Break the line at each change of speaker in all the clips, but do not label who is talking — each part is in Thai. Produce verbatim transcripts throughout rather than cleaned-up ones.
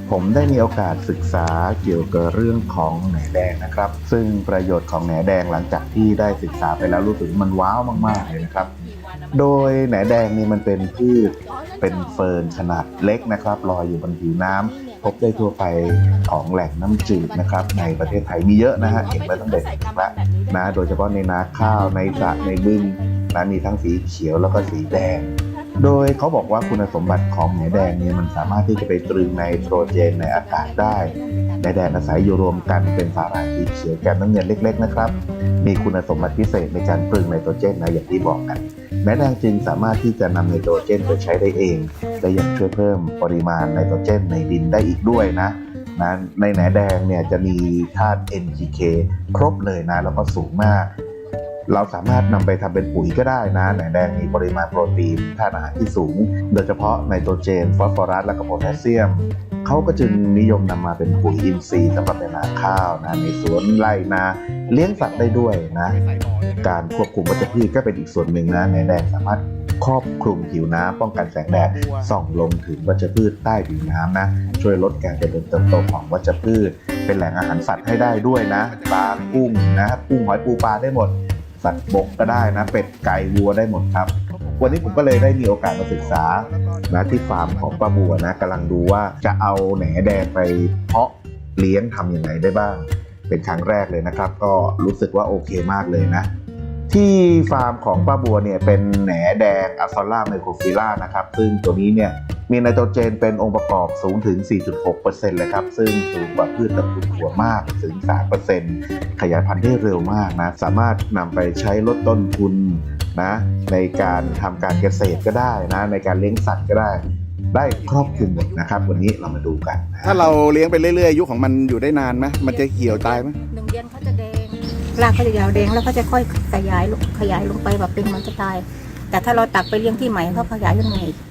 ผมได้มีโอกาสศึกษาเกี่ยวกับเรื่องของแหนแดงนะครับซึ่งประโยชน์ของแหนแดงหลังจากที่ได้ศึกษาไปแล้วรู้สึกมันว้าวมากๆเลยนะครับโดยแหนแดงนี่มันเป็นพืชเป็นเฟิร์นขนาดเล็กนะครับลอยอยู่บนผิวน้ำพบได้ทั่วไปของแหล่งน้ำจืดนะครับในประเทศไทยมีเยอะนะฮะเห็นมาตั้งแต่เด็กแล้วนะโดยเฉพาะในนาข้าวในสระในบึงนะมีทั้งสีเขียวแล้วก็สีแดงโดยเขาบอกว่าคุณสมบัติของแหนแดงเนี่ยมันสามารถที่จะไปตรึงไนโตรเจนในอากาศได้แหนแดงอาศัยอยู่รวมกันเป็นสาหร่ายสีเขียวแก้มน้ำเงินเล็กๆนะครับมีคุณสมบัติพิเศษในการตรึงไนโตรเจนนะอย่างที่บอกกันแหนแดงจึงสามารถที่จะนำไนโตรเจนไปใช้ได้เองและยังช่วยเพิ่มปริมาณไนโตรเจนในดินได้อีกด้วยนะนะในแหนแดงเนี่ยจะมีธาตุ เอ็น พี เค ครบเลยนะแล้วก็สูงมากเราสามารถนำไปทำเป็นปุ๋ยก็ได้นะแหนแดงมีปริมาณโปรตีนธาตุอาหารที่สูงโดยเฉพาะไนโตรเจนฟอสฟอรัสและก็โพแทสเซียมเขาก็จึงนิยมนำมาเป็นปุ๋ยอินทรีย์สำหรับในนาข้าวนะในสวนไร่นาเลี้ยงสัตว์ได้ด้วยนะการควบคุมวัชพืชก็เป็นอีกส่วนหนึ่งนะแหนแดงสามารถครอบคลุมผิวน้ำป้องกันแสงแดดส่องลงถึงวัชพืชใต้ผิวน้ำนะช่วยลดการเจริญเติบโตของวัชพืชเป็นแหล่งอาหารสัตว์ให้ได้ด้วยนะปลากุ้งนะกุ้งหอยปูปลาได้หมดสัตว์บกก็ได้นะเป็ดไก่วัวได้หมดครับวันนี้ผมก็เลยได้มีโอกาสมาศึกษานะที่ฟาร์มของป้าบัวนะกำลังดูว่าจะเอาแหนแดงไปเพาะเลี้ยงทำยังไงได้บ้างเป็นครั้งแรกเลยนะครับก็รู้สึกว่าโอเคมากเลยนะที่ฟาร์มของป้าบัวเนี่ยเป็นแหนแดงอัลซอล่าไมโครฟิล่านะครับซึ่งตัวนี้เนี่ยมีไนโตรเจนเป็นองค์ประกอบสูงถึง สี่จุดหกเปอร์เซ็นต์ เลยครับซึ่งสูงกว่าพืชตระกูลถั่วมากถึง สามเปอร์เซ็นต์ ขยายพันธุ์ได้เร็วมากนะสามารถนำไปใช้ลดต้นทุนนะในการทำการเกษตรก็ได้นะในการเลี้ยงสัตว์ก็ได้ได้ครอบคลุมหมดนะครับวันนี้เรามาดูกันนะ
ถ้าเราเลี้ยงไปเรื่อยๆอายุของมันอยู่ได้นานไหมมันจะเหี่ยวตายไหม
หนึ่งเดือนเขาจะแดงรากเขาจะยาวแดงแล้วเขาจะค่อยขยายลงขยายลงไปแบบเป็นมันจะตายแต่ถ้าเราตักไปเลี้ยงที่ใหม่เขาขยายขึ้นมาอีก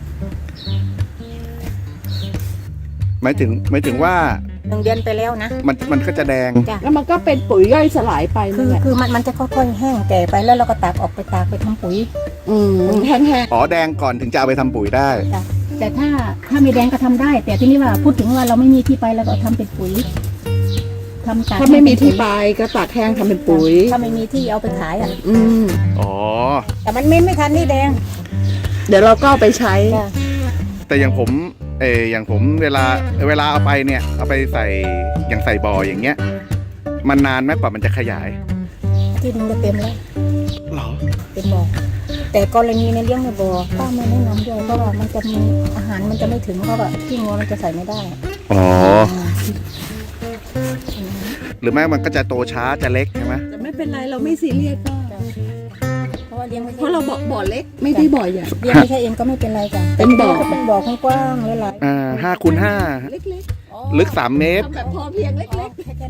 หมายถึงหมายถึงว่า
หนึ่งเดือนไปแล้วนะ
มันมันก็จะแดง
แล้วมันก็เป็นปุ๋ยย่อยสลายไป
คือคือมันมันจะค่อยๆแห้งแก่ไปแล้วเราก็ตักออกไปตากไปทำปุ๋ย
อืมแห้ง
ๆอ๋อแดงก่อนถึงจะเอาไปทำปุ๋ยได้
แต่ถ้าถ้าไม่แดงก็ทำได้แต่ที่นี่ว่าพูดถึงว่าเราไม่มีที่ไปเราก็ทำเป็นปุ๋ยทำตาก
ถ้าไม่มีที่ไปก็ตากแห้งทำเป็นปุ๋ย
ถ้าไม่มีที่เอาไปขายอ่ะ
อืม
อ๋อ
แต่มันไม่ไม่ทันนี่แดง
เดี๋ยวเราก็เอาไปใช้
แต่อย่างผมเอออย่างผมเวลาเวลาเอาไปเนี่ยเอาไปใส่อย่างใส่บ่ออย่างเงี้ยมันนานไหมกว่ามันจะขยาย
ที่ดินจะเต็มแล้ว
หรอ
เต็มบ่อแต่กรณีในเลี้ยงในบ่อป้าไม่แนะนำด้วยเพราะว่ามันจะมีอาหารมันจะไม่ถึงเพราะว่าที่งัวมันจะใส่ไม่ได้
อ๋อหรือไม่มันก็จะโตช้าจะเล็กใช่ไหม
แต่ไม่เป็นไรเราไม่ซีเรียสก็
เพราะว่าเลี้ยงไม่
เพราะเราบ่อบ่อเล็กไม่ได้บ่อใหญ่
เลี้ยงไม่ใช่เองก็ไม่เป็นไรจ้ะ
เป็นบ่อ
เป็นบ่อกว้างๆหลาย
ๆอ่าห้าคูณห้า
เล็ก
ๆลึกสามเมตร
แบบพอเพียงเล็ก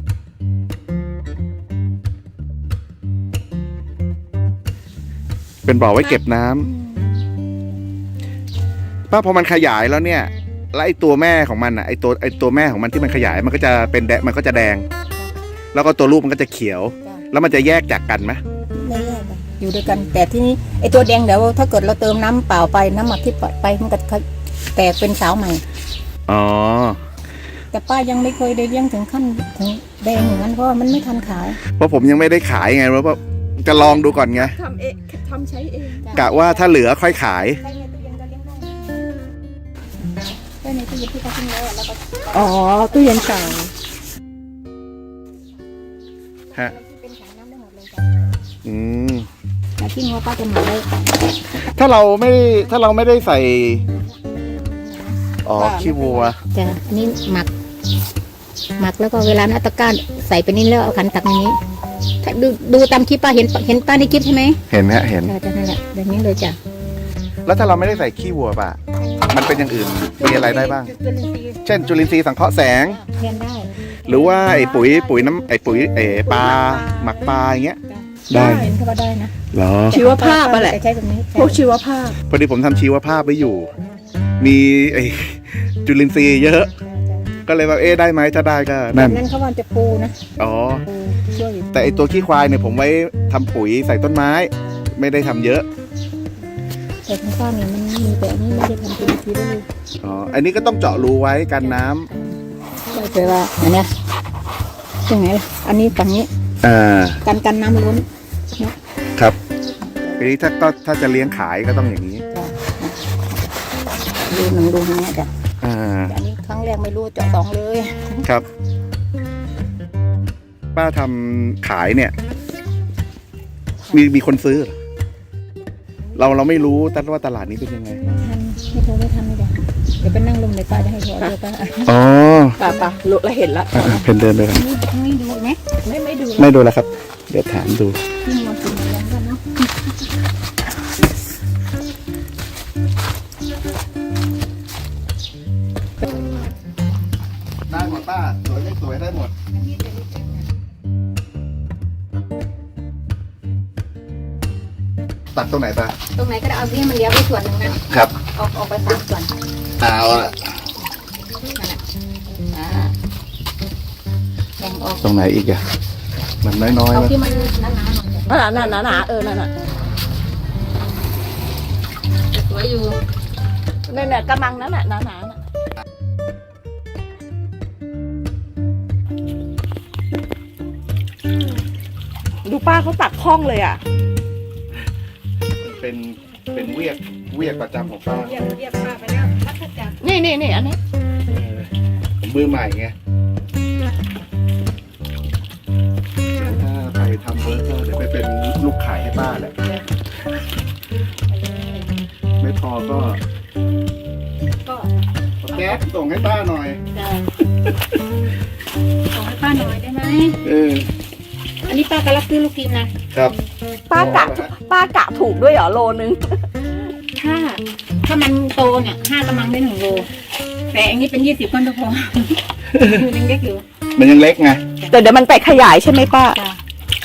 ๆเป็นบ่อไว้เก็บน้ำป้าพอมันขยายแล้วเนี่ยแล้วไอ้ตัวแม่ของมันอ่ะไอ้ตัวไอ้ตัวแม่ของมันที่มันขยายมันก็จะเป็นแดงมันก็จะแดงแล้วก็ตัวลูกมันก็จะเขียวแล้วมันจะแยกจากกันไหม
ไม่แยกกันอยู่ด้วยกันแต่ที่นี้ไอ้ตัวแดงเดี๋ยวถ้าเกิดเราเติมน้ำเปล่าไปน้ำหมักที่ปล่อยไปมันก็แตกเป็นสาวใหม่
อ๋อ
แต่ป้ายังไม่เคยได้เลี้ยงถึงขั้นถึงแดงอย่างนั้นเพราะมันไม่ทันขาย
เพราะผมยังไม่ได้ขายไงเพราะว่าจะลองดูก่อนไง
ทำเองทำใช้เอง
กะว่าถ้าเหลือค่อยขาย
ในตู้เย็นที่เขาทิ้งไว้แล้วก็
อ๋อตู้เย็นเก่า
ฮะ
เป็นถังน้ำได้หมดเลยจ้ะ
อืม
แต่ที่งัวป้าจะหมักได้
ถ้าเราไม่ถ้าเราไม่ได้ใส่อ๋อขี้วัว
จ้ะนี่หมักหมักแล้วก็เวลานาตะก้าใส่ไปนี่แล้วเอาขันตักอย่างนี้ดูดูตามคลิปป้าเห็นเห็นป้าในคลิปใช่ไหม
เห็นฮะเห็น
จ้ะนั่นแหละแบบนี้เลยจ้ะ
แล้วถ้าเราไม่ได้ใส่ขี้วัวป่ะมันเป็นอย่างอื่นมีอะไรได้บ้างเช่นจุลินทรีย์สังเคราะห์แสง
แทนได้
หรือว่าไอ้ปุ๋ยปุ๋ยน้ำไอ้ปุ๋ยเอ๋ปลาหมักปลาอย่างเงี้ย
ได้เห็นเขาว่าได้นะ
เหรอ
ชีวภาพอะไร
ใช้แบบนี้
พวกชีวภาพ
พอดีผมทำชีวภาพไว้อยู่มีไอ้จุลินทรีย์เยอะก็เลยว่าเอ๊ะได้ไหมถ้าได้ก็
นั่นนั่นเขาว่าจะปูนะ
อ๋อแต่ไอ้ตัวขี้ควายเนี่ยผมไว้ทำปุ๋ยใส่ต้นไม้ไม่ได้ทำเยอะ
แต่ข้างข้างเนี่ยมันมีแบบนี้ไม่ได้ทำเป็นทีได้เลย
อ๋ออันนี้ก็ต้องเจาะรูไว้กันน้
ไปว่าอันเนี้ยยังไงล่ะอันนี้ฝั่งนี้
อ่า
กันกันน้ำล้น
ครับทีนี้ถ้าก็ถ้าจะเลี้ยงขายก็ต้องอย่างนี้
ดูหนึ่งดูตรงนี้จ้ะ
อ่า
อันนี้ครั้งแรกไม่รู้เจาะสองเลย
ครับ ป้าทำขายเนี่ย มีมีคนซื้อเหรอเราเราไม่รู้แต่ว่าตลาดนี้เป็นยังไง
ทันไม่โทรไม่ทันไม่ได้เดี๋ยวไปนั่งลงในป้าจะให้โทรเดี๋ยวป้า
อ๋อ
ป่ะป่ะรู้แล้วเห็นละ
อ่าเพนเดินไปครับ
นี่ทั้งนี้ดูไหม
ไม่ไม่ดู
ไม่ดูแล้วครับ เดี๋ยวถามดู
นี่มันกินแล้วกันเนาะ
ได้หมดป้าสวยไม่สวยได้หมด ตัดตรงไหนป้า
ตรงไหนก็ได้เอาที่มันเลี้ยวไปส่วนหนึ่งนะครับ ออกออกไปสามส่วน
เอาละ
นั่นแหละอ่าแบ่งออก
ตรงไหนอีกอะมันน้อยๆ
เอา
นะ
ที่มันหนาๆหน่อย
หนาหนาหนาเออนั่นน่ะ
สวยอยู่
เนี่ยเนี่ยกระมังนั้นน่ะหนาหนาน่ะดูป้าเขาตักคล่องเลยอ่ะ
เป็นเป็นเวียกเวียกประจำของป้า
เรียกเรียกป้าไปแล้วพัฒจักร
นี่นี่นี่อันนี้
เออผมมือใหม่ไงเดี๋ยวถ้าไปทำเวิร์กก็เดี๋ยวไปเป็นลูกขายให้ป้าแหละ ไม่พอก็
ก็
แก๊สส่งให้ป้าหน่อย
จะขอให้ป้าหน่อยได้ไหม
เออ
อันนี้ป้าก็รับซื้อลูกทีมนะครับ
ป้ากะป้ากะถูกด้วยเหรอโลนึง
ถ้าถ้ามันโตเนี่ยห้ากำลังได้หนึ่งโลแต่อันนี้เป็นยี่สิบก้อนก็พอคือยังเล็กอยู่
มันยังเล็กไง
แต่เดี๋ยวมันไปขยายใช่ไหมป้า
จ้ะ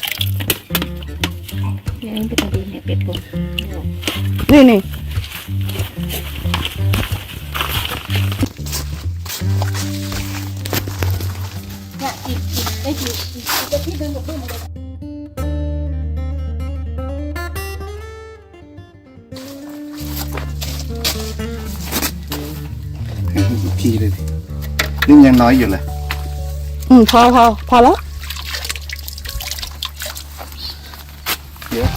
เนี่ยอันนี้เป็นตัวดีเนี่ยเป็ดผม
นี่นี่
เนี่ยอีกอีกได้กี่อีกอีกจะที่เดินกับเพื่อนมาเลย
อีกทีเลยดินี่ยังน้อยอยู่เลย
อืมพอพอพอแล้ว
เดี๋ยว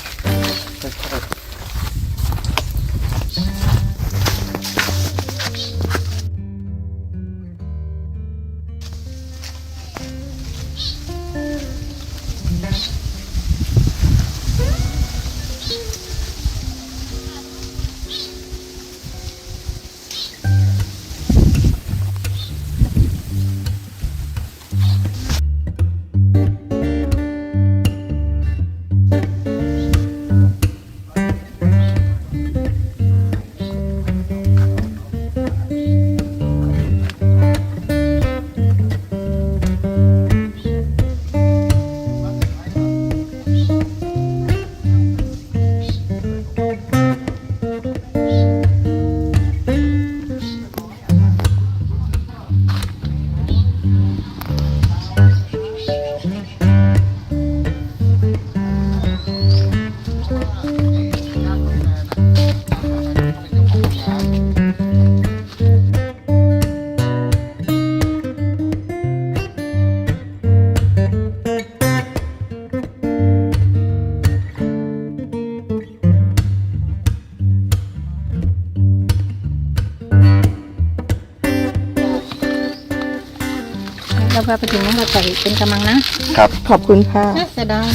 แล้วก็ไปถึงนั้นก็ใส่เป็นกำลังนะ
ขอบคุณค่ะ
น่าเสียดาย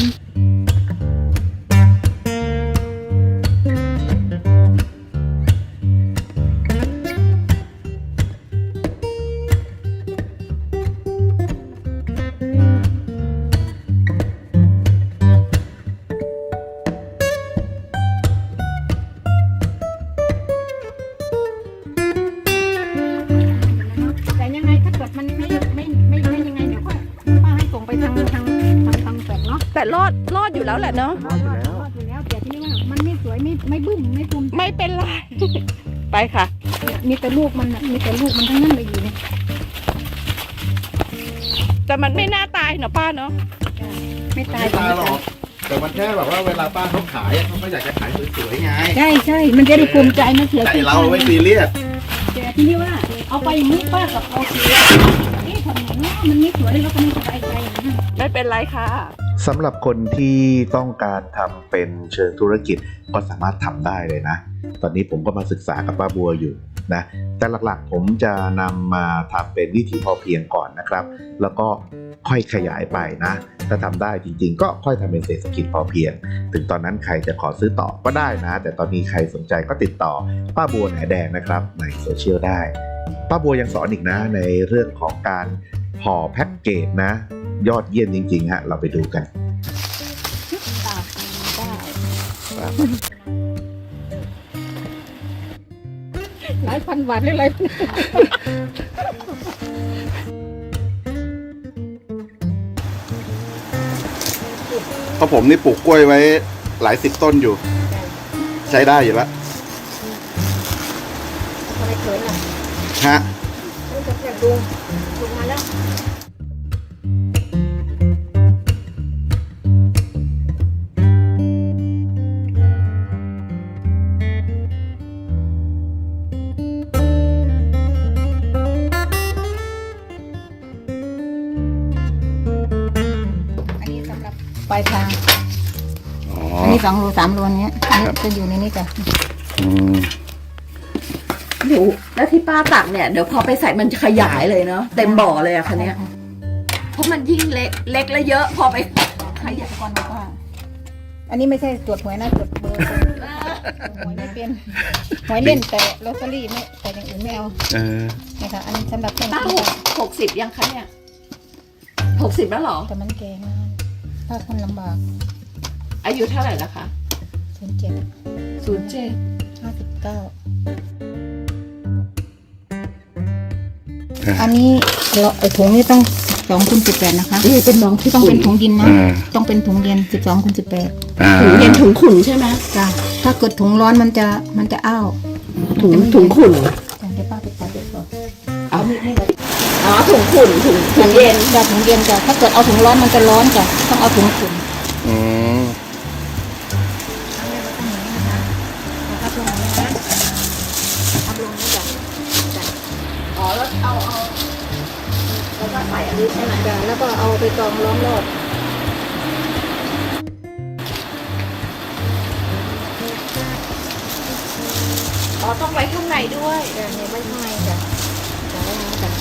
แต่ยังไงถ้าเกิดมันไม่ไม่ไม่ไม่ยังไงเดี๋ยวก็ป้าให้ส่งไปทางทางทางทางแฝงเนาะ
แต่รอดรอดอยู่แล้วแหละเนาะ
รอดอยู่แล้วรอดอยู่แล้วแต่ที่นี่ว่ามันไม่สวยไม่ไม่บึ้มไม่ตุม
ไม่เป็นไร ไปค่ะ
มีแต่ลูกมันน่ะมีแต่ลูกมันทั้งนั้นเลยอยู่เนี่ย
แต่มันไม่น่าตายเนาะป้าเนาะ
ไม่ตาย
ไม่ตายหรอกแต่มันแค่แบบว่าเวลาป้าเขาขายอะเขาก็อยากจะขายสวยๆไง
ใช่ใช่มันจะได้ภูมิใจนะเสีย
แต่
ชื่อ
เราไม่ซีเรียส
แต่ที่นี่ว่า เอาไปอย่างนี้ป้ากับเอาเสียนี่ทำไงเนาะมันไม่สวยแล้วก็ไม่สบายใจนะ
ไม่เป็นไรค่ะ
สำหรับคนที่ต้องการทำเป็นเชิงธุรกิจก็สามารถทำได้เลยนะ ตอนนี้ผมก็มาศึกษากับป้าบัวอยู่นะแต่หลักๆผมจะนำมาทำเป็นวิถีพอเพียงก่อนนะครับ แล้วก็ค่อยขยายไปนะ ถ้าทำได้จริงๆก็ค่อยทำเป็นเศรษฐกิจพอเพียง ถึงตอนนั้นใครจะขอซื้อต่อก็ได้นะ แต่ตอนนี้ใครสนใจก็ติดต่อป้าบัวแหนแดงนะครับในโซเชียลได้ป้าบัวยังสอนอีกนะในเรื่องของการห่อแพ็กเกจนะ ยอดเยี่ยมจริงๆฮะเราไปดูกัน
หลายพันบาทหรืออะไร
เพราะผมนี่ปลูกกล้วยไว้หลายสิบต้นอยู่ ใช้ได้อยู่แล้ว
อะไรเขินล่ะ
ฮะ
รู้จักแต่ลุงลุงมาแล้ว อันนี้สำหรับปลายทาง
อ๋อ
อันนี้สองโลสามโลเนี้ยอันนี้จะอยู่ในนี้จ้ะ
อืม
เดี๋ยวแล้วที่ป้าตักเนี่ยเดี๋ยวพอไปใส่มันจะขยายเลยเนาะเต็มบ่อเลยอะคันนี้ยเพราะมันยิ่งเล็กเล็กแล้วเยอะพอไปขยาย
ก่อนบอกว่า อันนี้ไม่ใช่ตรวจหวยนะตรวจเบอร์หวยไม่เป็นหวยเล่นแต่ลอตเตอรี่ไม่แต่อย่างอื่นไม่เอา
เออ
เนี่ยค่ะอันนี้สำหรับเครื่อง
ป้า
คิ
ห
ด
กหกสิบยังคะเนี่ยหกสิบแล้วเหรอ
แต่มันแก่มากถ้าคนลำบาก
อายุเท่าไหร่ละคะ
ศูนย์เจ็ด
ศูนย์เจ็ด
ห้าสิบเก้าอันนี้เราไอ้ถุงนี่ต้องสองคูณสิบแปดนะคะ
นี่เป็นน้องที่
ต้องเป็นถุงดินนะ
อ่า
ต้องเป็นถุงเย็นสิบสองคูณสิบแปด
อ่า
ถุงเย็นถุงขุ่นใช่ไหม
จ้ะถ้าเกิดถุงร้อนมันจะมันจะอ้าว
ถุงถุงขุ่น
จ้ะเดี๋ยวป้าไปตัดเด็กก่อน
เอาอ๋อถุงขุ่นถุงถุงเย็น
จ้ะถุงเย็นจ้ะถ้าเกิดเอาถุงร้อนมันจะร้อนจ้ะต้องเอาถุงขุ่น
อืม
พับลงนี้นะพับลงนี้จ้ะจ้ะ
อ๋อแล้วเอาเอาแล้วก็ใส่อันนี้ใช่ไหม
จ้ะแล้วก็เอาไปกรองล้อมรอบ
อ๋อต้องไว้ข้างในด้วย
จ้ะเนี่ยไว้ข้างในจ้ะจ้ะไว้ข้างในจ้ะ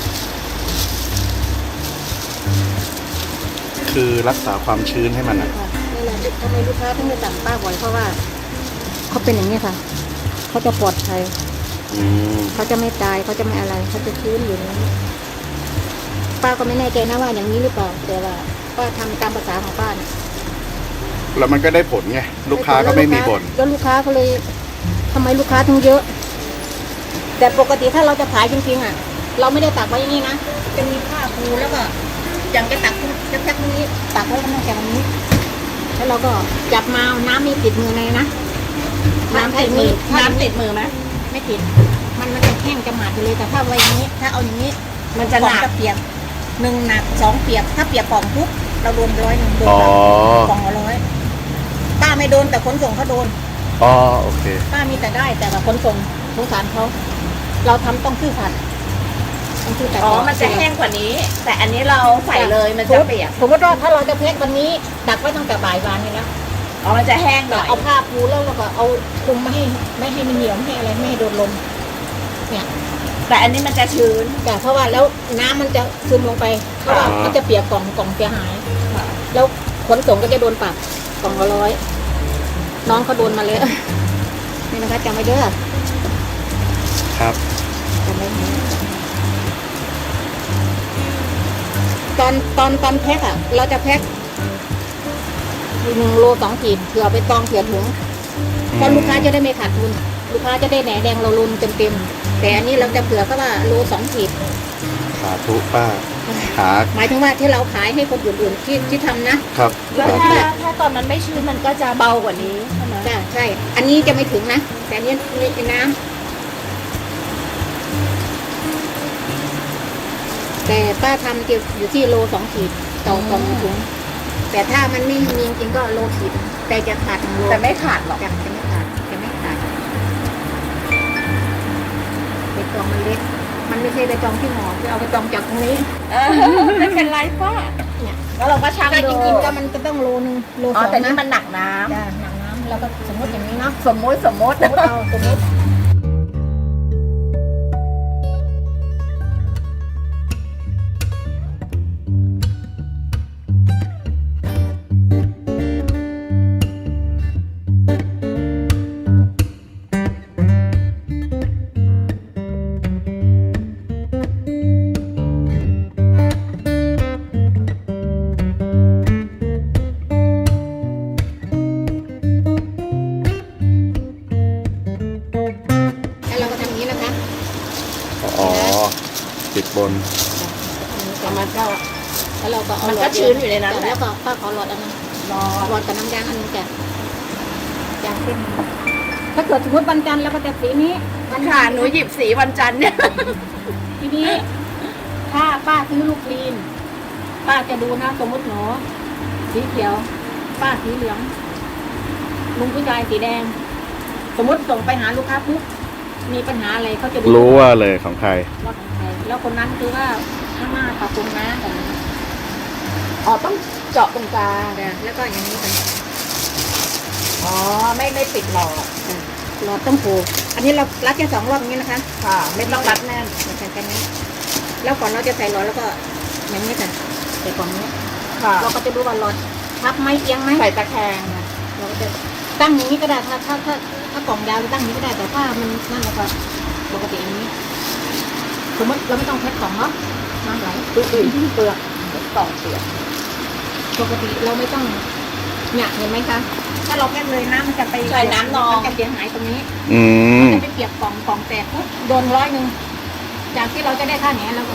คือรักษาความชื้นให้มันอ่ะ
ค่ะนี่แหละทำไมลูกค้าถึงจะสั่งป้าบ่อยเพราะว่าเขาเป็นอย่างนี้ค่ะเขาจะปลอดภัย
อืม
เขาจะไม่ตายเขาจะไม่อะไรเขาจะชื้นอยู่ในนี้ป้าก็ไม่แน่ใจนะว่าอย่างนี้หรือเปล่าแต่ว่าป้าทำตามภาษาของป้าเนี่ย
แล้วมันก็ได้ผลไง ลูกค้าก็ไม่มีบ่น
แล้วลูกค้าก็เลยทำไมลูกค้าถึงเยอะ แต่ปกติถ้าเราจะขายจริงๆอ่ะ เราไม่ได้ตักไว้อย่างนี้นะจะมีผ้าปูแล้วก็อย่างจะตักจะแพ็คตรงนี้ตักไว้ตั้งแต่ตรงนี้ แล้วเราก็จับมาน้ำมีติดมือในนะ
น้ำติดมือน้ำติดมือไหม
ไม่ติด มันมันจะแห้งจะหมาดไปเลยแต่ถ้าไว้อย่างนี้ ถ้าเอาอย่างนี้
มันจะหนัก
กล่องเปียกหนึ่งหนักสองเปียกถ้าเปียกกล่องปุ๊บเราโดนร้อยหนึ่งโดน
อ๋อ
กล่องละร้อยป้าไม่โดนแต่ขนส่งเขาโดน
อ๋อ โอเค
ป้ามีแต่ได้แต่ว่าขนส่งสงสารเขาเราทำต้องซื่อสัตย์ต้องซื่อสัตย์
อ๋อมันจะแห้งกว่านี้ แต่อันนี้เราใส่เลยมันจะเปียก
สมมติว่าถ้าเราจะเพชรวันนี้ดักไว้ตั้งแต่บ่ายวานนี้แล้ว
อ๋อมันจะแห้งหน่อย
เอาผ้าปูแล้วเราก็เอาคลุมไม่ให้ไม่ให้มันเหนียวไม่ให้อะไรไม่ให้โดนลมเนี่ย
แต่อันนี้มันจะชื้น
แต่เพราะว่าแล้วน้ำมันจะซึมลงไปเพราะว่า
อ่ามั
มันจะเปียกกล่องกล่องเสียหาย แล้วขนส่งก็จะโดนปรับกล่องละร้อยน้องเขาโดนมาเลย นี่นะคะจำไว้เด้อ
ครับ
จำไว้นะตอนตอนตอนแพ็คอะเราจะแพ็คหนึ่งโลสองขีดเผื่อไปตองเผื่อถุงเพราะลูกค้าจะได้ไม่ขาดทุน ลูกค้าจะได้แหนแดงเราลุนเต็มเต็มๆแต่อันนี้เราจะเผื่อก็ว่าโลสองขีด
สาธุป้า หา
หมายถึงว่าที่เราขายให้คนอื่นๆที่ที่ทำนะครับ
แล้วถ้าถ้าตอนมันไม่ชื้นมันก็จะเบากว่านี้ใช่ไหม
ใช่ใช่ อันนี้จะไม่ถึงนะ แต่อันนี้นี่เป็นน้ำแต่ป้าทำอยู่ที่โลสองขีดต่อกล่องถุงแต่ถ้ามันไม่มีจริงๆก็โลขีด แต่จะขาดหนึ่งโล
แต่ไม่ขาดหรอก
จะจะไม่ขาดจะไม่ขาดเป็นกล่องมันเล็กมันไม่ใช่ไปจองที่หอคือเอาไปจองจากตรงนี้
เออไม่เป็นไรป้า
เนี่ย
แล้วเราก็ชั่ง
แต่
ดู
จริงๆก็มันจะต้องโลนึงโล
อ๋
ส
อ
อง
แต่นี่
นะ
มันหนักน้ำ
จ้ะหนังน้ำเราก็สมมติอย่างนี้เนาะ
สมมุติสมมุติ
สมมติเอาสมมติ แล้วเราก็ทำอย่างนี้นะคะ
อ๋อติดบน
ประมาณก็แล้วเราก็เอา
มัน
หล
ก็
อด
ชื้นอยู่ในนั้นแห
แล้
ละ
วก็ป้าขอหลอดอันนึง
รอ
หลอดกับน้ำยางอันนึงจ้ะยางเส้นถ้าเกิดสมมติวันจันทร์เราก็จะสีนี้วัน
ค่ะหนูหยิบสีวันจันทร์เนี่ย
ทีนี้ ถ้าป้าซื้อลูกคลีน ป้าจะดูนะสมมติหนูสีเขียว ป้าสีเหลือง ลุงผู้ชายสีแดง สมมติส่งไปหาลูกค้าปุ๊บมีปัญหาอะไรเขาจะดู
รู้ว่าเลยของใคร
ว่าของใครแล้วคนนั้นคือว่าข้างหน้าปรับปรุงนะแต่
อ๋อต้องเจาะตรงกลาง
แล้วก็อย่างนี้ค่ะ
อ๋อไม่ไม่ปิดหลอด
หลอดต้องผูกอันนี้เรารัดแค่สองรอบอย่างนี้นะคะ
ค่ะ ไม่ต้องรัดแน่น
ใส่กันนี้ แล้วก่อนเราจะใส่หลอดแล้วก็อย่างนี้ค่ะใส่กล่องนี้
ค่ะ
เราก็จะดูว่าหลอดทับไหมเอียงไหม
ใส่ตะแคง
เราก็จะตั้งอย่างนี้ก็ได้ถ้าถ้าถ้าถ้ากล่องยาวจะตั้งอย่างนี้ก็ได้แต่ถ้ามันนั่นเราก็ปกติอย่างนี้ สมมติเราไม่ต้องแพ็คกล่องเนาะน้ำไหล
ดูดิเปลือกต่อเปลือก
ปกติเราไม่ต้องเนี่ยเห็นไหมคะถ้าเราแพ็คเลยน้ำมันจะไป
ใส่น้ำนอง
มันจะเสียหายตรงนี้
อืม
จะไปเปียกกล่องกล่องแตกปุ๊บโดนร้อยหนึ่งจากที่เราจะได้ค่าแหนแล้วก็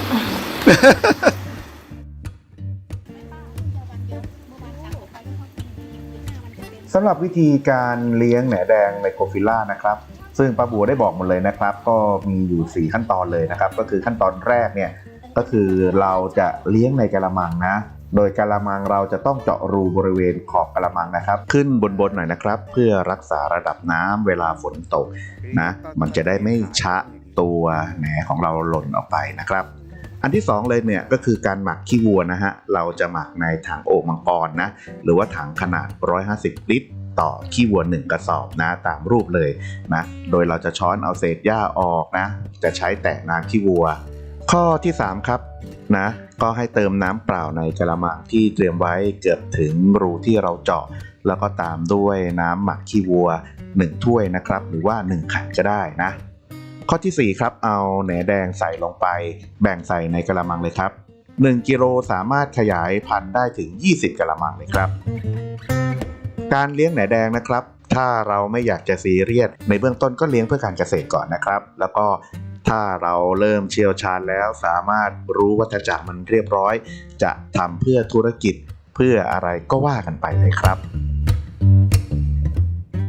สำหรับวิธีการเลี้ยงแหนแดงไมโครฟิลล่านะครับซึ่งป้าบัวได้บอกหมดเลยนะครับก็มีอยู่สี่ขั้นตอนเลยนะครับก็คือขั้นตอนแรกเนี่ยก็คือเราจะเลี้ยงในกะละมังนะโดยกะละมังเราจะต้องเจาะรูบริเวณขอบกะละมังนะครับขึ้นบนๆหน่อยนะครับเพื่อรักษาระดับน้ำเวลาฝนตกนะมันจะได้ไม่ชะตัวแหนของเราหล่นออกไปนะครับอันที่สองเลยเนี่ยก็คือการหมักขี้วัวนะฮะเราจะหมักในถังโอ่งมังกรนะหรือว่าถังขนาดหนึ่งร้อยห้าสิบลิตรต่อขี้วัวหนึ่งกระสอบนะตามรูปเลยนะโดยเราจะช้อนเอาเศษหญ้าออกนะจะใช้แตะน้ำขี้วัวข้อที่สามครับนะก็ให้เติมน้ำเปล่าในกระมังที่เตรียมไว้เกือบถึงรูที่เราเจาะแล้วก็ตามด้วยน้ำหมักขี้วัวหนึ่งถ้วยนะครับหรือว่าหนึ่งขันก็ได้นะข้อที่สี่ครับเอาแหนแดงใส่ลงไปแบ่งใส่ในกระมังเลยครับหนึ่งกิโลสามารถขยายพันธุ์ได้ถึงยี่สิบกระมังเลยครับการเลี้ยงแหนแดงนะครับถ้าเราไม่อยากจะซีเรียสในเบื้องต้นก็เลี้ยงเพื่อการเกษตรก่อนนะครับแล้วก็ถ้าเราเริ่มเชี่ยวชาญแล้วสามารถรู้วัฏจักรมันเรียบร้อยจะทำเพื่อธุรกิจเพื่ออะไรก็ว่ากันไปเลยครับ